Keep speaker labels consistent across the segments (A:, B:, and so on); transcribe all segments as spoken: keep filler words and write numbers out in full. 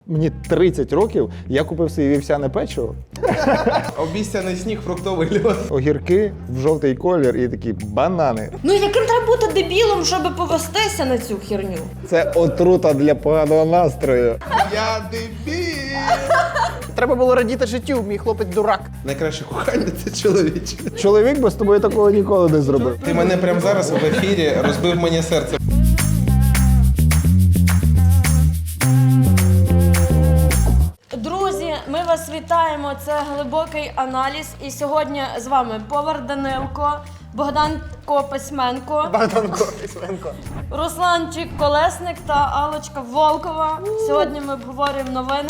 A: Мені тридцять років, я купив собі вівсяне печиво.
B: Обіцяний сніг, фруктовий льод.
A: Огірки в жовтий колір і такі банани.
C: Ну яким треба бути дебілом, щоб повестися на цю херню?
A: Це отрута для поганого настрою.
B: Я дебіл.
D: Треба було радіти життю, мій хлопець дурак.
B: Найкраще кохання – це чоловіче.
A: Чоловік би з тобою такого ніколи не зробив.
B: Ти мене прямо зараз в ефірі розбив мені серце.
C: Друзі, ми вас вітаємо. Це глибокий аналіз. І сьогодні з вами Повар Данилко, Богданко Письменко,
D: Богданко Письменко.
C: Русланчик Колесник та Аллочка Волкова. Сьогодні ми обговорюємо новини.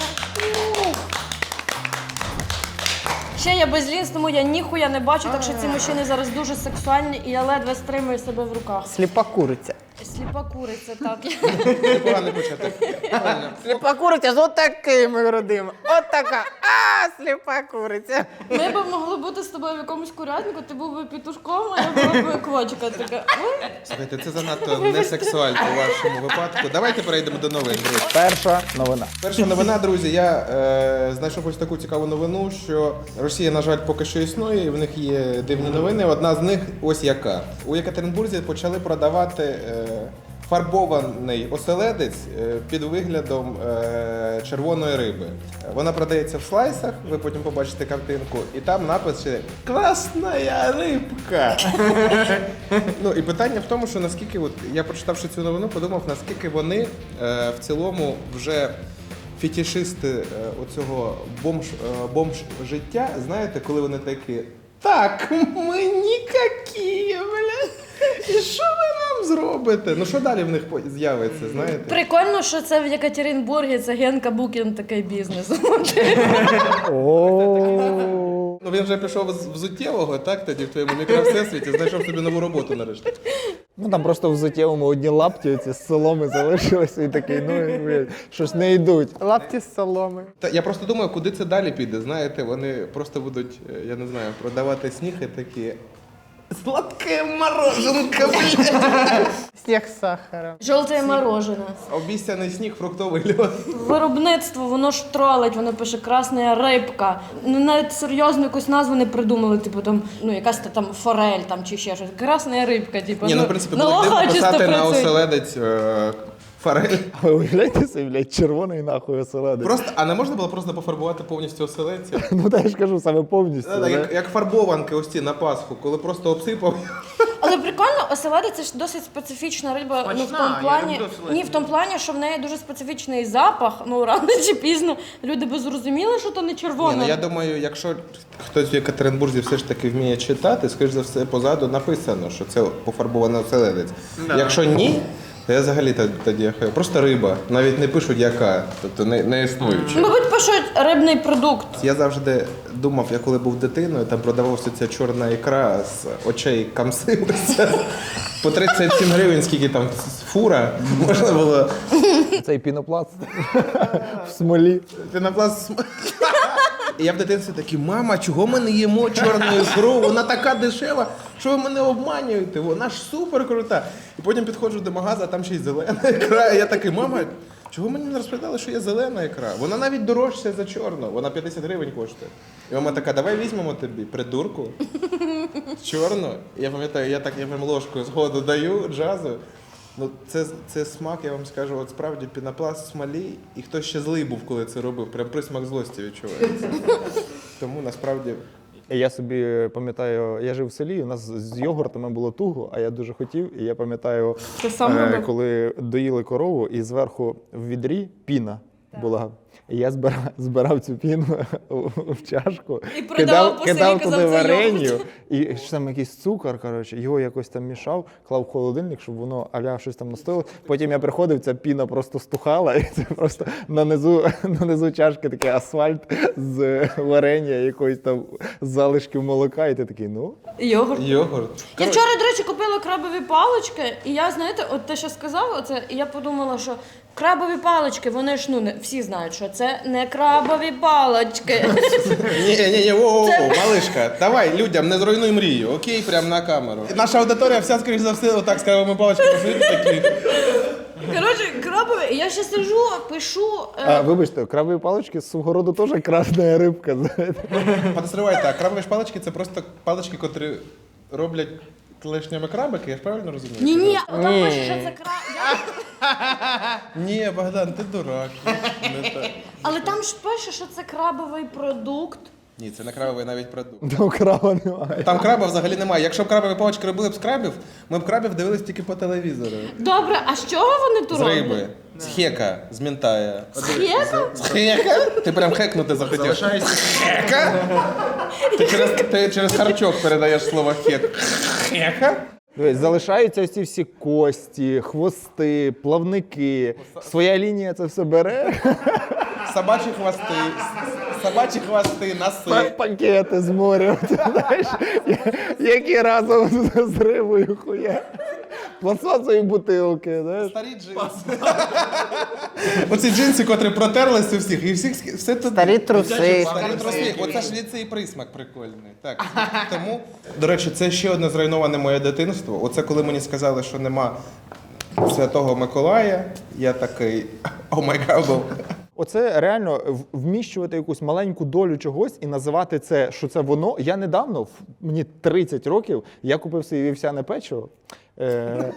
C: Ще я безлінсь, тому я ніхуя не бачу, так що ці мужчини зараз дуже сексуальні і я ледве стримую себе в руках.
D: Сліпа куриця.
C: Сліпа куриця, так.
B: Непоганий початок. Правильно.
D: Сліпа куриця з отакими грудима. Отака. А, сліпа куриця.
C: Ми б могли бути з тобою в якомусь курятнику, ти був би петушком, а я була б квочка така.
B: Слухайте, це занадто не сексуально у вашому випадку. Давайте перейдемо до новин, друзі.
A: Перша новина.
B: Перша новина, друзі, я е, знайшов ось таку цікаву новину, що Росія, на жаль, поки що існує, і в них є дивні новини. Одна з них ось яка. У Єкатеринбурзі почали продавати е, фарбований оселедець е, під виглядом е, червоної риби. Вона продається в слайсах, ви потім побачите картинку, і там напис ще «Красна рибка». Ну і питання в тому, що наскільки, от, я прочитавши цю новину, подумав, наскільки вони е, в цілому вже фетішисти е, оцього бомж, е, бомж життя, знаєте, коли вони такі «Так, ми нікакі, бля, і що ви нам зробите?» Ну що далі в них по- з'явиться, знаєте?
C: Прикольно, що це в Єкатеринбурзі, це Генка Букін такий бізнес.
A: О.
B: Ну він вже пішов з взуттєвого, так, тоді в твоєму мікровсесвіті, знайшов собі нову роботу нарешті.
A: Ну там просто в взуттєвому одні лапті ці з соломи залишилися і такий, ну блін, щось не йдуть.
D: Лапті з соломи.
B: Та я просто думаю, куди це далі піде, знаєте, вони просто будуть, е, я не знаю, продавати сніг і такі «Сладке мороженка, блядь!»
D: Сніг з сахаром.
C: Жовте морожене.
B: Обіцяний сніг, фруктовий льод.
C: Виробництво, воно ж тролить, воно пише «красна рибка». Ну, навіть серйозну якусь назву не придумали, типу там, ну якась та там форель там чи ще щось. «Красна рибка», типу.
B: Ні, ну в принципі, було
C: лоха
B: дивно
C: чисто
B: писати на
C: працює.
B: оселедець е, форель.
A: А ви уявляєте собі, блядь, червоний нахуй оселедець.
B: Просто, а не можна було просто пофарбувати повністю оселедця?
A: Ну та я ж кажу, саме повністю.
B: Е,
A: да?
B: Як, як фарбованки ось ці на Пасху, коли просто обсипав.
C: Але прикольно, оселедець це ж досить специфічна риба. Ну, в
D: Смачна,
C: тому
D: я
C: плані,
D: люблю оселедець.
C: ні, в тому плані, що в неї дуже специфічний запах. Ну, рано чи пізно люди би зрозуміли, що то не
B: Ні,
C: червона.
B: ну я думаю, якщо хтось в Єкатеринбурзі все ж таки вміє читати, скоріш за все позаду написано, що це пофарбований оселедець.
D: Да.
B: Якщо ні, то я взагалі тоді- тоді я хаю. Просто риба. Навіть не пишуть яка, тобто не, не існуюча.
C: Мабуть, пишуть рибний продукт.
B: Я завжди думав, я коли був дитиною, там продавався ця чорна ікра з очей камсилася. По тридцять сім гривень, скільки там фура, можна було.
A: Цей пінопласт в смолі.
B: Пінопласт. І я в дитинстві такий, мама, чого ми не їмо чорну ікру? Вона така дешева, що ви мене обманюєте? Вона ж супер крута. І потім підходжу до магазу, а там ще й зелена ікра. І я такий, мама, чого мені не розповідали, що є зелена ікра? Вона навіть дорожча за чорну, вона п'ятдесят гривень коштує. І мама така, давай візьмемо тобі, придурку, чорну. І я пам'ятаю, я так я прям ложкою згоду даю, джазу. Ну, це, це смак, я вам скажу, от справді пінопласт в смолі, і хтось ще злий був, коли це робив, прям присмак злості відчувається. Тому насправді.
A: Я собі пам'ятаю, я жив в селі, у нас з йогуртами було туго, а я дуже хотів. І я пам'ятаю,
C: Ти сам
A: е,
C: робив?
A: коли доїли корову, і зверху в відрі піна була. І я збирав, збирав цю піну у, в чашку,
C: І продавав по селі,
A: кидав
C: казав,
A: туди
C: це
A: вареню,
C: йогурт.
A: і ще там якийсь цукор, коротше, його якось там мішав, клав в холодильник, щоб воно аля щось там настояло. Потім я приходив, ця піна просто стухала, і це просто нанизу, нанизу чашки такий асфальт з варення, якоїсь там залишків молока, і ти такий, ну.
C: Йогурт.
B: Йогурт.
C: Я вчора, до речі, купила крабові палички, і я, знаєте, от те, що сказала, оце, і я подумала, що крабові палички, вони ж, ну, не, всі знають, що це не крабові палички.
B: Ні, ні, ні, воу, малишка, давай людям, не зруйнуй мрію, окей, прямо на камеру. Наша аудиторія вся, скоріш за все, отак з крабовими паличками сидить такі.
C: Коротше, крабові, я ще сижу, пишу. е,
A: А, вибачте, крабові палички з свого роду теж красна рибка, знаєте.
B: Подозрівайте, а крабові ж палички це просто палички, котрі роблять клешнями крабики, я ж правильно розумію?
C: Ні, ні, там
D: Ні.
C: пише, що це краб.
B: Ні, Богдан, ти дурак. Не так.
C: Але там ж пише, що це крабовий продукт.
B: Ні, це не крабовий навіть продукт.
A: Там краба немає.
B: Там краба взагалі немає. Якщо б крабові палички робили б з крабів, ми б крабів дивились тільки по телевізору.
C: Добре, а з чого вони тут
B: З
C: роблять?
B: риби, з хека, з мінтая.
C: З хека?
B: З хека? Ти прям хекнути захотів. Хека? Ти через, ти через харчок передаєш слово хек. Хека?
A: Дивись, залишаються ці всі кості, хвости, плавники. Своя лінія це все бере.
B: Собачі хвости, собачі хвости, носи.
A: Пакети з моря, ти знаєш, які разом з рибою хуя. Пластмасові бутилки, знаєш.
B: Старі джинси. Оці джинси, котрі протерлися у всіх, і всіх все тут.
D: Старі труси.
B: Старі труси. Оце ж ліцей присмак прикольний. Так, тому, до речі, це ще одне зруйноване моє дитинство. Оце коли мені сказали, що нема Святого Миколая, я такий, о май гад.
A: Оце реально в- вміщувати якусь маленьку долю чогось і називати це, що це воно. Я недавно, в- мені тридцять років, я купив собі вівсяне печиво. Е,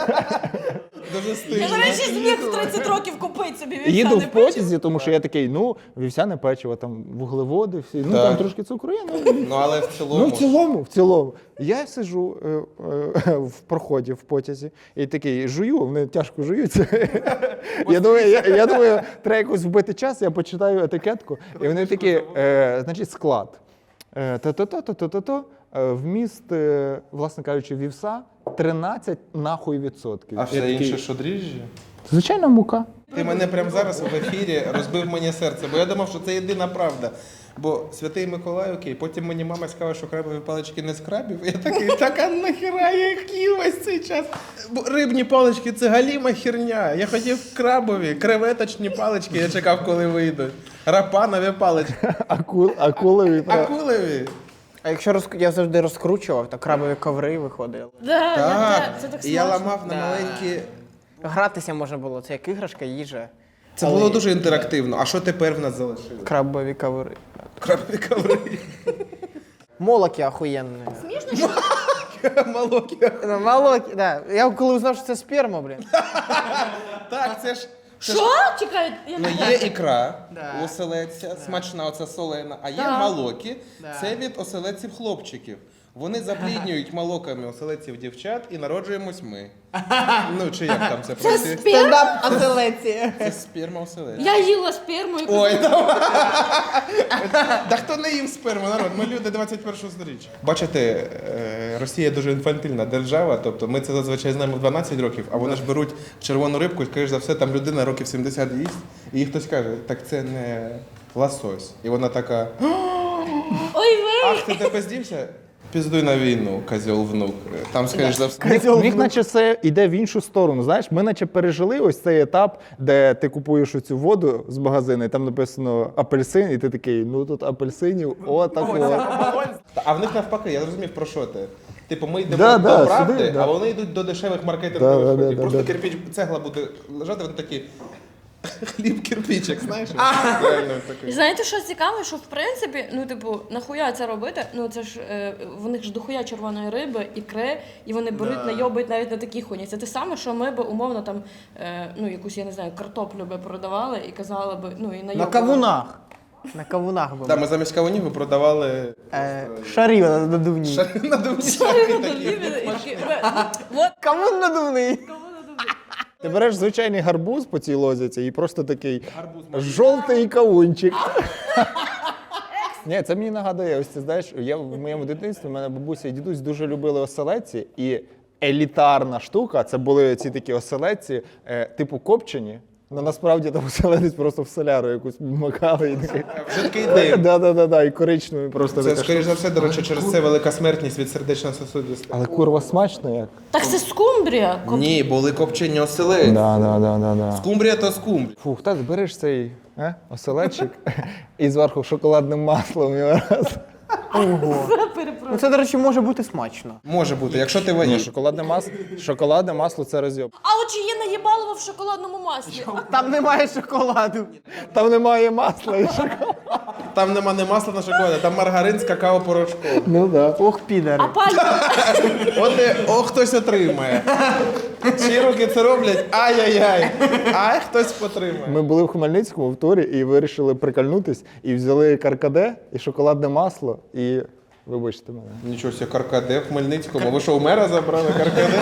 B: Дуже
C: Я,
B: стильно.
C: до речі, зміг в тридцять років купити собі
A: Їду
C: вівсяне
A: в
C: печиво.
A: потязі, тому що я такий, ну, вівсяне печиво, там вуглеводи, всі, ну
B: Так.
A: там трошки цукру є, ну,
B: Ну, але в цілому.
A: Ну, в цілому, в цілому. Я сиджу е, е, в проході в потязі і такий жую, вони тяжко жуються. я, думаю, я, я думаю, треба якось вбити час, я почитаю етикетку, і вони такі, е, значить, склад. Е, То-то-то-то-то-то, е, вміст, е, власне кажучи, вівса тринадцять нахуй відсотків.
B: А
A: Я
B: все
A: такий,
B: інше, що дріжджі?
A: Звичайно, мука.
B: Ти мене прямо зараз в ефірі розбив мені серце, бо я думав, що це єдина правда. Бо Святий Миколай, окей, потім мені мама сказала, що крабові палички не з крабів. Я такий, так а нахіра я їх їв весь цей час? Бо рибні палички це галіма херня. Я хотів крабові, креветочні палички, я чекав, коли вийдуть. Рапанові палички,
A: Акул, акулові. правда.
B: акулеві.
D: А якщо роз... я завжди розкручував, то крабові коври виходили.
C: Да, я
B: Так,
C: те- це так
B: і я
C: смачно.
B: ламав на
D: Да.
B: маленькі.
D: Гратися можна було, це як іграшка, їжа.
B: Це було дуже інтерактивно. А що тепер в нас залишилось?
D: Крабові коври.
B: Крабові коври.
D: Молоки охуєнні.
B: Молокі.
D: Ну, молоки, да. Я коли узнав, що це сперма, блін.
B: Так, це ж.
C: Що? Чекай, я
B: Ну,
C: не
B: є ікра
D: Да.
B: у оселедця, смачна, оця солена, а є
C: Да.
B: молоки,
D: Да.
B: це від оселедців хлопчиків. Вони запліднюють молоками оселедців дівчат і народжуємось ми. Ну, чи як там це
C: Це
B: працює?
C: сперма?
D: Стендап антилеці.
B: Це сперма оселедця.
C: Я їла сперму і
B: Ой, давай. Та хто не їв сперму, народ? Ми люди двадцять першого сторіччя. Бачите, е, Росія дуже інфантильна держава, тобто ми це зазвичай знаємо в дванадцять років, а вони ж беруть червону рибку і, скоріш за все, там людина років сімдесят їсть, і їй хтось каже, так це не лосось. І вона така,
C: Ой, ви!
B: ах, ти тебе здівся? Піздуй на війну, козьол внук. Там, скоріш за все.
A: Міг, міг наче це йде в іншу сторону. Знаєш, ми наче пережили ось цей етап, де ти купуєш оцю воду з магазину, і там написано апельсин, і ти такий, ну тут апельсинів, о, так от.
B: Та, А в них навпаки, я зрозумів, про що ти. Типу, ми йдемо
A: Да,
B: до
A: да,
B: правди,
A: сюди, да.
B: а вони йдуть до дешевих маркетингових
A: Да, да,
B: ходів.
A: да,
B: Просто
A: да.
B: кирпіч, цегла буде лежати, вони такі. Хліб кирпичик, знаєш? Реально
C: І
B: такий.
C: знаєте, що цікаво, що в принципі, ну типу, нахуя це робити? Ну це ж е, в них ж дохуя червоної риби, ікри, і вони беруть, найобають навіть на такі хуйні. Це те саме, що ми би умовно там, е, ну якусь, я не знаю, картоплю би продавали і казали би, ну і
D: На
C: найобували.
D: кавунах. На кавунах були.
B: Да, ми замість кавунів ми продавали
D: Е, шарів надувні.
B: надувні
C: Sorry,
B: шапки
C: ну,
B: такі.
C: і такі, от,
D: Кавун надувний.
A: Ти береш звичайний гарбуз по цій лозіці і просто такий жовтий кавунчик. Ні, це мені нагадує, ось ти знаєш, я в моєму дитинстві, в мене бабуся і дідусь дуже любили оселедці, і елітарна штука, це були ці такі оселедці, е, типу копчені, але насправді там оселедець просто в соляру якусь макали і такий.
B: Вже такий дим.
A: Да, да, да, да, і коричневий просто
B: Це,
A: така штука.
B: скоріш за все, до речі, через це велика смертність від сердечно-сосудистих.
A: Але курва смачно як.
C: Так це скумбрія. Коп-
B: Ні, були копчені оселедці.
A: Да, да, да, да, да.
B: Скумбрія то скумбрія.
A: Фух, так береш цей е, оселедчик і зверху шоколадним маслом його раз.
C: Перепрошую.
D: Ну це, до речі, може бути смачно.
B: Може бути, якщо ти
A: Ні,
B: ваніш.
A: шоколадне масло, шоколадне масло це розйоб.
C: А от чи є наїбалово в шоколадному маслі?
D: Там немає шоколаду.
A: Там немає масла і шоколаду.
B: Там нема не масла на шоколаді, там маргарин з какао-порошком.
A: Ну да.
D: Ох, підари.
C: А пальто?
B: От і, о, хтось отримає. Чиї руки це роблять? Ай-яй-яй. Ай, хтось потримає.
A: Ми були в Хмельницькому в турі і вирішили прикольнутись, і взяли каркаде і шоколадне масло, і вибачте мене.
B: Нічого себе, каркаде в Хмельницькому. Ви що, у мера забрали каркаде?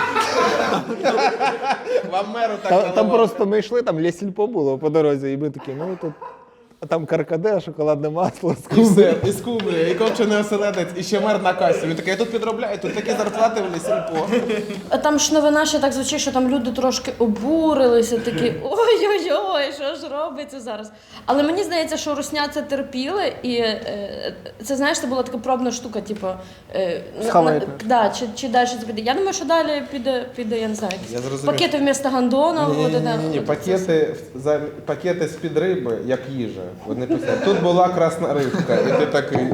B: Вам меру так
A: Та, там
B: наливали.
A: просто ми йшли, там Лєсільпо було по дорозі, і ми такі, ну тут. А там каркаде, шоколадне масло,
B: І
A: скуби.
B: все, і скумбрія, і копчений оселедець, і ще мер на касі. Він такий, я тут підробляю, тут такі зарплати в лісільпо.
C: А там ж новина ще так звучить, що там люди трошки обурилися, такі ой-ой-ой, що ж робиться зараз. Але мені здається, що русня це терпіли, і е, це, знаєш, це була така пробна штука, типу, е, на-
D: Схавайте.
C: на- да, чи, чи далі це піде. Я думаю, що далі піде, піде я не знаю,
B: Я
C: якісь
B: зрозумів.
C: пакети вмісто гандона.
B: Ні,
C: от,
B: ні,
C: да,
B: ні, ні,
C: от
B: пакети, за, пакети з-під риби, як їжа. Вони писали, тут була красна рибка, і ти такий.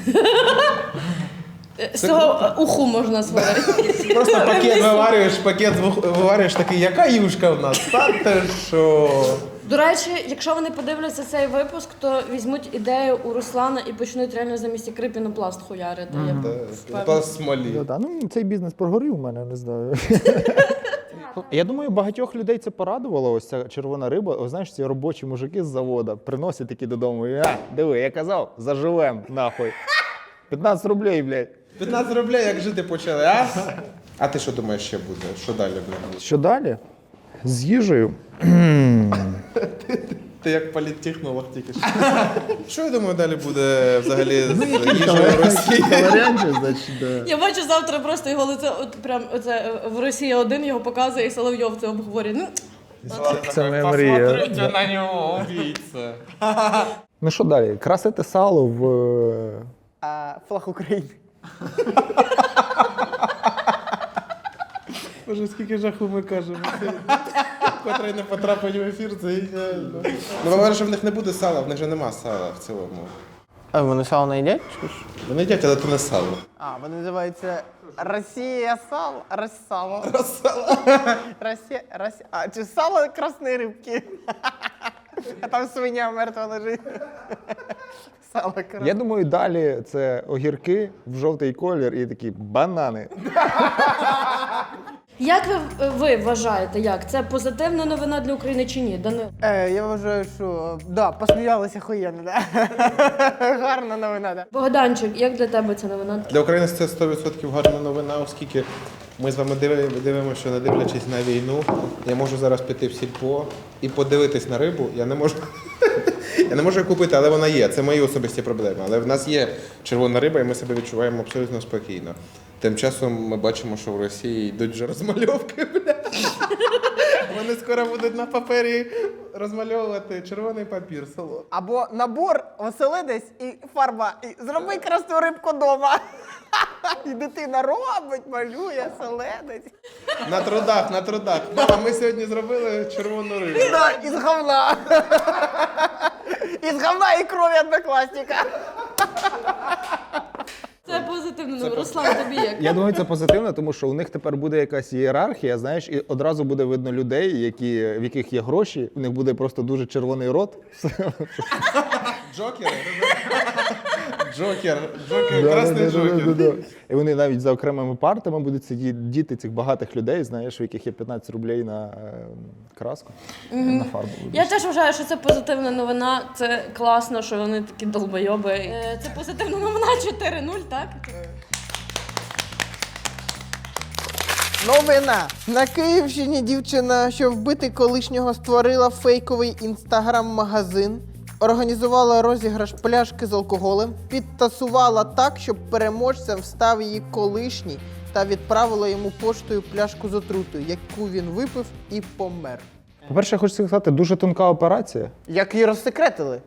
C: це- З цього е, уху можна сварити.
B: Просто пакет виварюєш, пакет звух- виварюєш такий, яка юшка в нас? Та ти що?
C: До речі, якщо вони подивляться цей випуск, то візьмуть ідею у Руслана і почнуть реально замість ікри пінопласт хуярити. Я впевнена.
B: Та смолі.
A: Ну, да, ну, цей бізнес прогорів у мене, не знаю. Я думаю, багатьох людей це порадувало, ось ця червона риба. О, знаєш, ці робочі мужики з заводу приносять такі додому. І, а, диви, я казав, заживем, нахуй. п'ятнадцять рублей, блядь.
B: п'ятнадцять рублей, як жити почали, а? А ти що думаєш, ще буде? Що далі буде?
A: Що далі? З їжею.
B: Ти як політтехнолог тільки що. Що я думаю, далі буде взагалі з їжею Росії?
A: Варіантів, значить, да.
C: Я бачу завтра просто його лице, от прям оце е, в Росії один його показує, і Соловйов це обговорює. Ну,
A: Це моя мрія.
B: Посмотрите на нього, убійця.
A: Ну що далі? Красити сало в. е,
D: А, флаг України.
B: Боже, скільки жаху ми кажемо. Котрий не потрапить в ефір, це ідеально. Ну, говорю, що в них не буде сала, в них же нема сала в цілому.
D: А вони сало не їдять? Чи ж?
B: Вони їдять, але то не сало.
D: А, вони називаються Росія сало, Россало.
B: Сало.
D: Росія, Росія. А, чи сало красної рибки? А там свиня мертва лежить. Сало красне.
A: Я думаю, далі це огірки в жовтий колір і такі банани.
C: як ви, ви вважаєте, як це позитивна новина для України чи ні? Данил?
D: Е, я вважаю, що да, посміялися охуєнно, да. Гарна новина, да.
C: Богданчик, як для тебе ця новина?
B: Для України це сто відсотків гарна новина, оскільки ми з вами диви- дивимося, що не дивлячись на війну, я можу зараз піти в сільпо і подивитись на рибу. Я не можу. Я не можу її купити, але вона є. Це мої особисті проблеми. Але в нас є червона риба, і ми себе відчуваємо абсолютно спокійно. Тим часом ми бачимо, що в Росії йдуть вже розмальовки. Бля. Вони скоро будуть на папері розмальовувати червоний папір, село.
D: Або набор, оселедець і фарба. І зроби красну рибку дома. І дитина робить, малює, оселедець.
B: На трудах, на трудах. Мама, ми сьогодні зробили червону рибу.
D: Да, із говна. Із говна і крові однокласника.
C: Це позитивна новина. Руслан, тобі як?
A: Я думаю, це позитивно, тому що у них тепер буде якась ієрархія, знаєш, і одразу буде видно людей, які, в яких є гроші, у них буде просто дуже червоний рот.
B: Джокер? Джокер. Джокер, красний джокер.
A: Да-да-да-да-да. І вони навіть за окремими партами будуть сидіти цих багатих людей, знаєш, у яких є п'ятнадцять рублей на е, краску, на фарбу.
C: Я теж вважаю, що це позитивна новина. Це класно, що вони такі долбойоби. Е, Це позитивна новина чотири нуль, так?
D: Новина. На Київщині дівчина, що вбити колишнього, створила фейковий інстаграм-магазин, організувала розіграш пляшки з алкоголем, підтасувала так, щоб переможцем став її колишній, та відправила йому поштою пляшку з отрутою, яку він випив і помер.
A: По-перше, я хочу сказати, дуже тонка операція.
D: Як її розсекретили?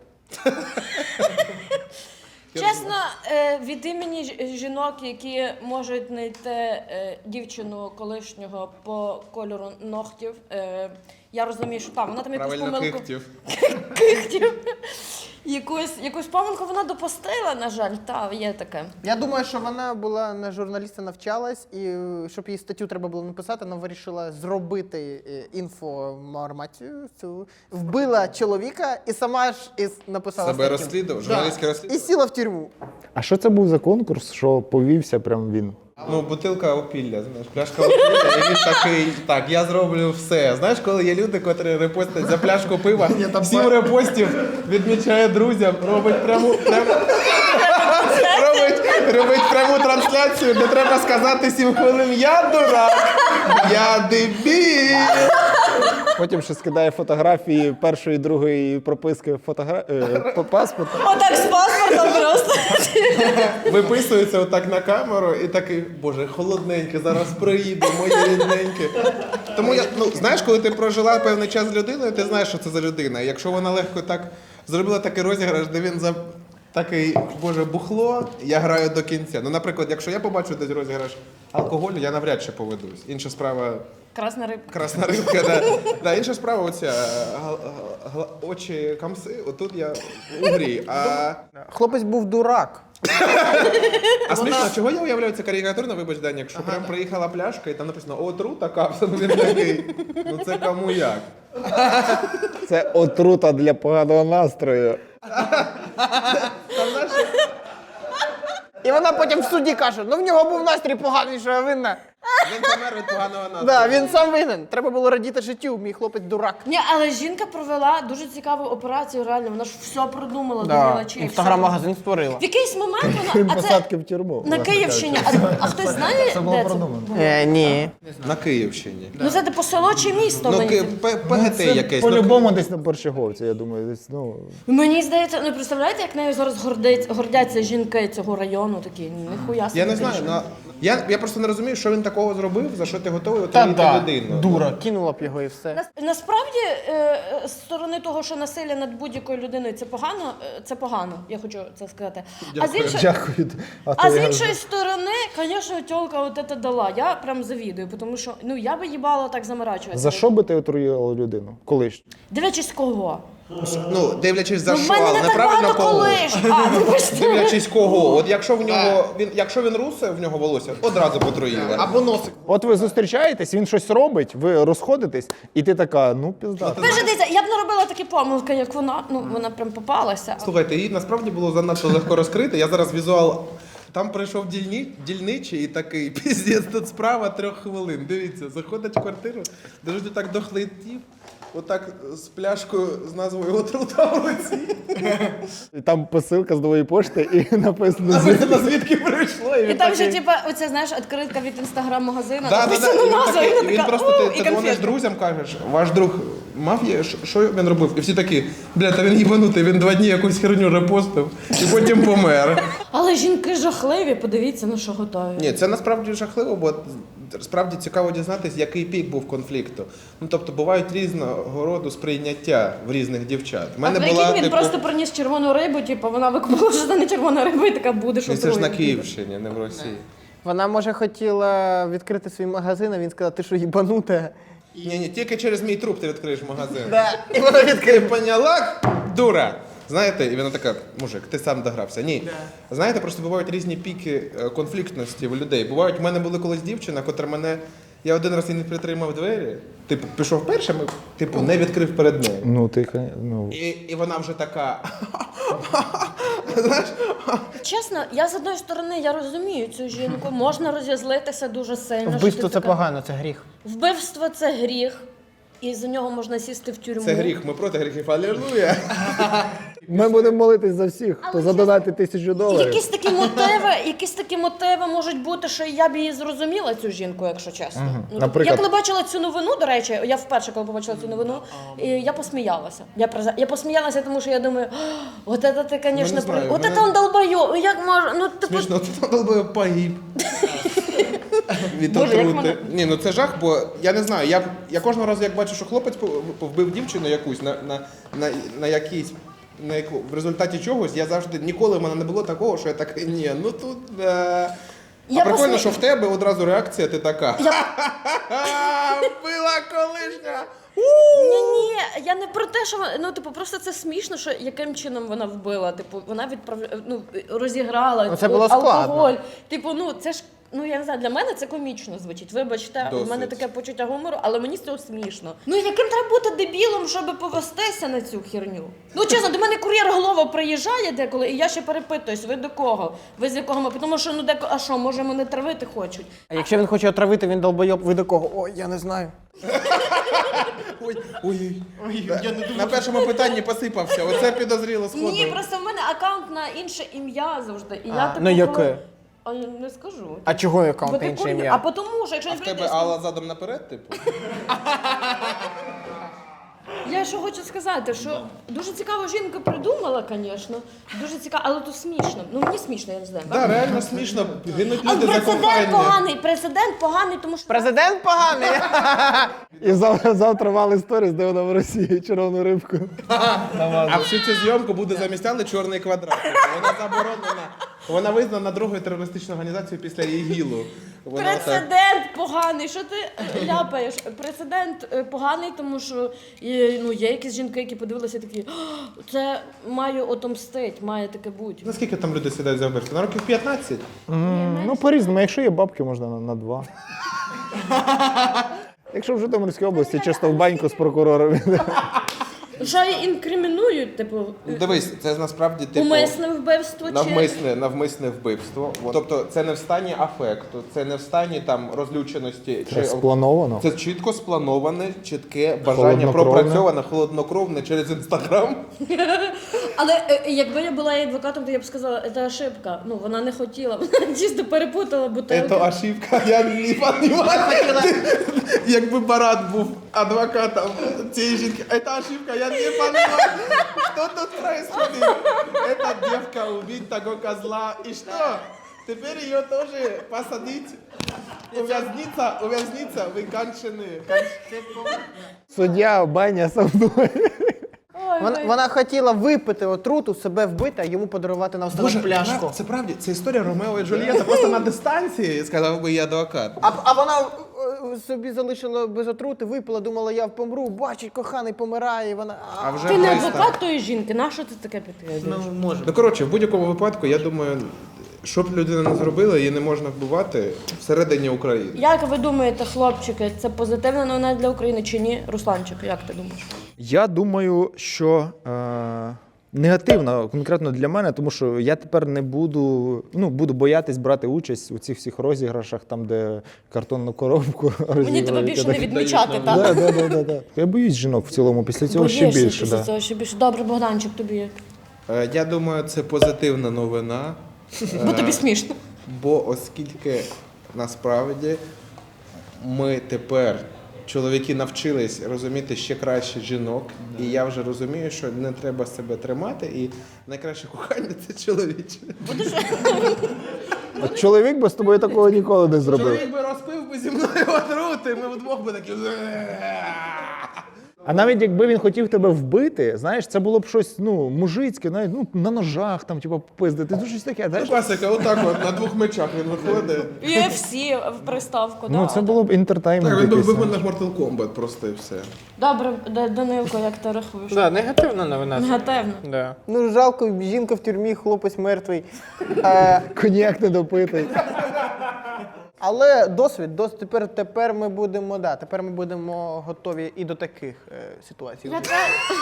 C: Чесно, е, від імені ж- жінок, які можуть знайти е, дівчину колишнього по кольору ногтів, е, я розумію, що там вона там якусь
B: Правильно,
C: помилку
B: кихтів.
C: кихтів. якусь, якусь помилку вона допустила, на жаль, та є таке.
D: Я думаю, що вона була на журналіста, навчалась, і е, щоб їй статтю треба було написати, вона вирішила зробити е, інформацію цю. Вбила чоловіка і сама ж із написала
B: Себе
D: статтю.
B: розслідував,
D: Да.
B: журналістське
D: І
B: розслідування.
D: сіла в тюрму.
A: А що це був за конкурс, що повівся прям він?
B: Ну, бутилка опілля, знаєш, пляшка опілля, і він такий, так, я зроблю все. Знаєш, коли є люди, котрі репостять за пляшку пива, сім репостів відмічає друзям, робить пряму, пряму, робить, робить пряму трансляцію, де треба сказати сім хвилин, я дурак, я дебіль.
A: Потім ще скидає фотографії першої, другої прописки фотогра... е, по паспорту.
C: Отак з паспортом просто.
B: Виписується отак на камеру і такий, боже, холодненьке, зараз приїде, моє рідненьке. Тому я, ну, знаєш, коли ти прожила певний час з людиною, ти знаєш, що це за людина. І якщо вона легко так зробила такий розіграш, де він за такий, боже, бухло, я граю до кінця. Ну, наприклад, якщо я побачу десь розіграш алкоголю, я навряд чи поведусь. Інша справа
C: Красна рибка.
B: красна рибка, да. Да, інша справа оця гал- гал- очі камси, отут я у грі. А,
D: Хлопець був дурак.
B: а смішно, чого я уявляю це карикатурно, вибач, Даня, якщо прям приїхала пляшка і там написано отрута капсуль, він такий, ну це кому як.
A: Це отрута для поганого настрою.
D: І вона потім в суді каже, ну в нього був настрій поганий, що я винна.
B: Він помер від поганого настрою.
D: Да, він сам винен. Треба було радіти життю, мій хлопець дурак.
C: Ні, але жінка провела дуже цікаву операцію, реально. Вона ж все продумала до мілочей.
D: Інстаграм-магазин створила.
C: В якийсь момент
A: Крім
C: вона, а це
A: посадки в тюрму.
C: на
A: власне
C: Київщині.
A: кажучи.
C: А, а хтось знає,
A: Це було
C: де це?
A: продумано.
D: Е, ні.
B: На Київщині.
C: Ну це типу село чи місто?
B: Ну,
C: мені
B: Ки-
C: здається.
B: П- ПГТ
A: Це
B: якесь. ну,
A: по-любому десь на Борщаговці, я думаю, десь, ну...
C: Мені здається, ну представляєте, як нею зараз гордить, гордяться жінки цього району, такі, ніхуя собі.
B: Я не знаю,
C: більше.
B: ну, я, я просто не розумію, що він такого зробив, за що ти готовий
D: Та
B: отримати
D: да,
B: людину.
D: дура, кинула б його і все.
C: Нас- Насправді, е, з сторони того, що насилля над будь-якою людиною це погано, е, це погано, я хочу це сказати. А з іншої,
A: Дякую. А,
C: а
A: то
C: з
A: я-
C: іншої сторони, звісно, тьолка от це дала. Я прям завідую, тому що ну я би їбала так заморачуватися.
A: За що би ти отруїла людину? Колись?
C: Дивлячись кого?
B: Ну, дивлячись за
C: Ну, в
B: що,
C: мене
B: але
C: не так
B: неправильно
C: багато
B: кого.
C: колиш. А, вибачте.
B: Дивлячись кого. От якщо в нього він, якщо він русе, в нього волосся, одразу потруїла.
D: Або носик.
A: От ви зустрічаєтесь, він щось робить, ви розходитесь, і ти така, ну пізда.
C: Ви ж дивіться, я б не робила такі помилки, як вона. Ну вона прям попалася.
B: Слухайте, її насправді було занадто легко розкрити. Я зараз візуал. Там прийшов дільні, дільничий і такий, піздець, тут справа трьох хвилин. Дивіться, заходить в квартиру, держить так дохлий тіп, отак з пляшкою з назвою отрута в руці.
A: І там посилка з нової пошти і написано «З».
B: Написано, звідки прийшло. І
C: І
B: він
C: там ще,
B: такий...
C: типа, оця, знаєш, відкритка від інстаграм-магазину.
B: Да, да, да.
C: написано
B: І він,
C: назва,
B: такий,
C: і
B: і
C: вона
B: він
C: така,
B: просто
C: «У,
B: ти,
C: і
B: ти дзвониш
C: конфетка».
B: друзям, кажеш, ваш друг мав є, що- що він робив? І всі такі, бля, та він їбанутий, він два дні якусь херню репостив і потім помер.
C: Але жінки жахливі, подивіться, на що готові.
B: Ні, це насправді жахливо, бо справді цікаво дізнатися, який пік був конфлікту. Ну тобто бувають різного роду сприйняття в різних дівчат. В
C: А
B: мене
C: прикинь,
B: була
C: він
B: типу,
C: просто приніс червону рибу, типу, вона викупила, що це не червона риба, і така буде, що
B: ну, це ж на
C: отруєна.
B: Київщині, не в Росії.
D: Вона, може, хотіла відкрити свій магазин, а він сказав, ти що, їбанута?
B: Ні, ні, тільки через мій труп ти відкриєш магазин.
D: Да. І вона відкрила.
B: Ти поняла, дура? Знаєте, і вона така, мужик, ти сам догрався. Ні. Знаєте, просто бувають різні піки е, конфліктності в людей. Бувають, в мене була колись дівчина, котра мене. Я один раз і не притримав двері, типу, пішов першим, і, типу, не відкрив перед нею.
A: Ну, ти, кон- ну...
B: І, і вона вже така. Знаєш?
C: Чесно, я з одної сторони я розумію цю жінку, можна розізлитися дуже сильно. що
D: Вбивство
C: ти
D: це
C: така-
D: погано, це гріх.
C: Вбивство це гріх, і за нього можна сісти в тюрму.
B: Це гріх, ми проти гріхів. Алілуя.
A: Ми будемо молитись за всіх, хто задонатить тисячу доларів.
C: Якісь такі мотиви, якісь такі мотиви можуть бути, що я б її зрозуміла, цю жінку, якщо чесно. Ну, тобто,
A: Наприклад?
C: я коли бачила цю новину, до речі, я вперше, коли побачила цю новину, і я посміялася. Я, призна- я посміялася, тому що я думаю, «О, от це ти,
B: Ну, не
C: звісно,
B: знаю,
C: при... от
B: мене-
C: це он долбойо, як може, ну типу,
B: Смішно, ти би погиб. Від
C: Боже, як
B: отрути.
C: мене-
B: Ні, ну це жах, бо я не знаю. Я, я кожного разу, як бачу, що хлопець пов- вбив дівчину якусь на, на, на, на якійсь. На яку, в результаті чогось я завжди ніколи в мене не було такого, що я такий, ні, ну тут. Е...
C: Я
B: а прикольно,
C: посмі-
B: що в тебе одразу реакція, ти така.
C: Я-
B: «Ха-ха-ха, вбила колишня!
C: Ні, ні, я не про те, що вона- ну, типу, просто це смішно, що яким чином вона вбила. Типу, вона відправ... ну, розіграла
D: Ну, це було складно.
C: алкоголь. Типу, ну це ж. Ну, я не знаю, для мене це комічно звучить. Вибачте,
B: Досить.
C: в мене таке почуття гумору, але мені з цього смішно. Ну, яким треба бути дебілом, щоб повестися на цю херню? Ну, чесно, до мене кур'єр голова приїжджає деколи, і я ще перепитуюсь, ви до кого? Ви з якого ми? Тому що, ну, деко, а що, може, мене травити хочуть?
D: А якщо він хоче отравити, він долбойоб, ви до кого? Ой, я не знаю.
B: Ой, ой, ой, я не думав. На першому питанні посипався. Оце підозріло сходу.
C: Ні, просто в мене аккаунт на інше ім'я завжди. І я,
D: А,
C: типу,
D: ну, яке?
C: коли- А я не скажу.
D: А чого
C: Бо
D: аккаунт
C: ти
D: інше
C: кур'єр-
D: ім'я?
C: А по тому, що якщо
B: А
C: не
B: в тебе
C: прийдеш...
B: Алла задом наперед, типу?
C: Я що хочу сказати, що дуже цікава жінка придумала, звісно. Дуже цікаво, але то смішно. Ну мені смішно, я не знаю.
B: Так, реально смішно. Гинуть
C: А
B: люди за
C: прецедент
B: кохання.
C: поганий, прецедент поганий, тому що
D: Президент поганий.
A: І зав- завтра вали сторіс, де вона в Росії червону рибку.
B: А всю цю зйомку буде замість Алли чорний квадрат. Типу, Вона заборонена. Вона визнана другою терористичною організацією після ІГІЛу. Вона так.
C: прецедент поганий. Що ти е, ляпаєш? Прецедент е, поганий, тому що е, ну, є якісь жінки, які подивилися такі, «О, це маю отомстить, має таке бути.
B: Наскільки там люди сідають за вбивство? На років п'ятнадцять?
A: М, Ну, по-різному, якщо є бабки, можна на, на два. Якщо в Житомирській області, чисто в баньку з прокурором.
C: Що інкримінують, типу,
B: Дивись, це насправді типу
C: умисне вбивство чи...
B: навмисне, навмисне вбивство. От. Тобто це не в стані афекту, це не в стані там розлюченості.
A: Це сплановано.
B: Це чітко сплановане, чітке бажання
A: Холоднокровне.
B: пропрацьоване, холоднокровне через інстаграм.
C: Але е, якби я була її адвокатом, то я б сказала, це ошибка. Ну, вона не хотіла, вона чисто перепутала бутилки.
B: Це ошибка, я не розумію. Якби Барат був адвокатом цієї жінки, це ошибка, я не розумію. Що тут происходит? Эта девка убить того козла, и что? Теперь ее тоже посадить. Увязниться, увязниться, вы конченые.
A: Суддя, баня со мною.
C: Ой,
D: Вона,
C: ой.
D: вона хотіла випити отруту, себе вбити, а йому подарувати на останок пляшку.
B: це правді, це історія Ромео і Джульєта, просто на дистанції, сказав би я адвокат.
D: А, а вона е, собі залишила без отрути, випила, думала, я помру, бачить, коханий помирає, і вона...
B: А вже
C: Ти не
B: близько.
C: адвокат тої жінки, на що ти таке підтверджуєш?
D: Ну, може.
B: Ну, коротше, в будь-якому випадку, я думаю, що б людина не зробила, її не можна вбивати всередині України.
C: Як ви думаєте, хлопчики, це позитивна новина для України чи ні? Русланчик, як ти думаєш?
A: Я думаю, що е, негативно конкретно для мене, тому що я тепер не буду, ну, буду боятись брати участь у цих всіх розіграшах, там, де картонну коробку розігрують.
C: Мені тебе більше не
A: Так.
C: відмічати,
A: Да,
C: так?
A: да, да, да, да. Я боюсь жінок в цілому, після цього ще
C: Боїшся
A: більше.
C: після
A: Да.
C: цього ще більше. Добре, Богданчик, тобі як?
B: Е, Я думаю, це позитивна новина.
C: Бо тобі смішно.
B: Бо оскільки насправді ми тепер, чоловіки, навчились розуміти ще краще жінок, і я вже розумію, що не треба себе тримати, і найкраще кохання це чоловіче.
A: От чоловік би з тобою такого ніколи не зробив.
B: Чоловік би розпив би зі мною отрути, ми вдвох би такі.
A: А навіть якби він хотів тебе вбити, знаєш, це було б щось, ну, мужицьке, навіть, ну, на ножах, там, типу, пиздити, ну, щось таке,
B: Ну,
A: знаєш.
B: класика, отак от на двох мечах він виходить.
C: ю еф сі в приставку,
A: Ну,
C: да.
A: це було б інтертаймент
B: Так, він би
A: якийсь.
B: вибив на Mortal Kombat просто і все.
C: Добре, Д- Данилко, як ти рахуєш?
D: Да, негативна новина.
C: Негативно.
D: Да. Ну, жалко, жінка в тюрмі, хлопець мертвий. Е,
A: Коньяк не допитий.
D: але досвід, дос, тепер, тепер ми будемо, да, тепер ми будемо готові і до таких е, ситуацій.
C: Я, те...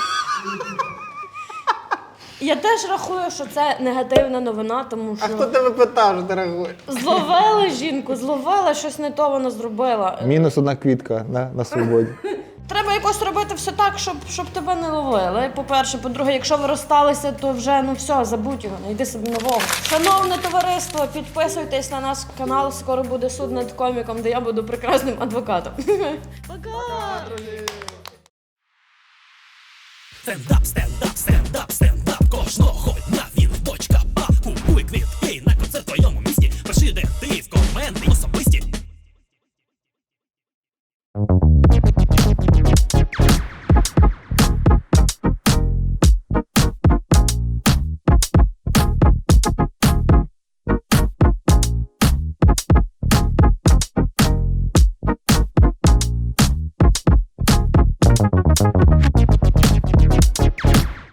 C: Я теж рахую, що це негативна новина, тому
D: А
C: що
D: хто тебе питав, дорогой?
C: зловили жінку, зловила, щось не то вона зробила.
A: Мінус одна квітка на, на свободі.
C: Треба якось робити все так, щоб, щоб тебе не ловили. По-перше, по-друге, якщо ви розсталися, то вже ну все, забудь його, знайди собі нового. Шановне товариство, підписуйтесь на наш канал, скоро буде суд над коміком, де я буду прекрасним адвокатом. Пока!
E: Стендап, стендап, стендап, стендап кожного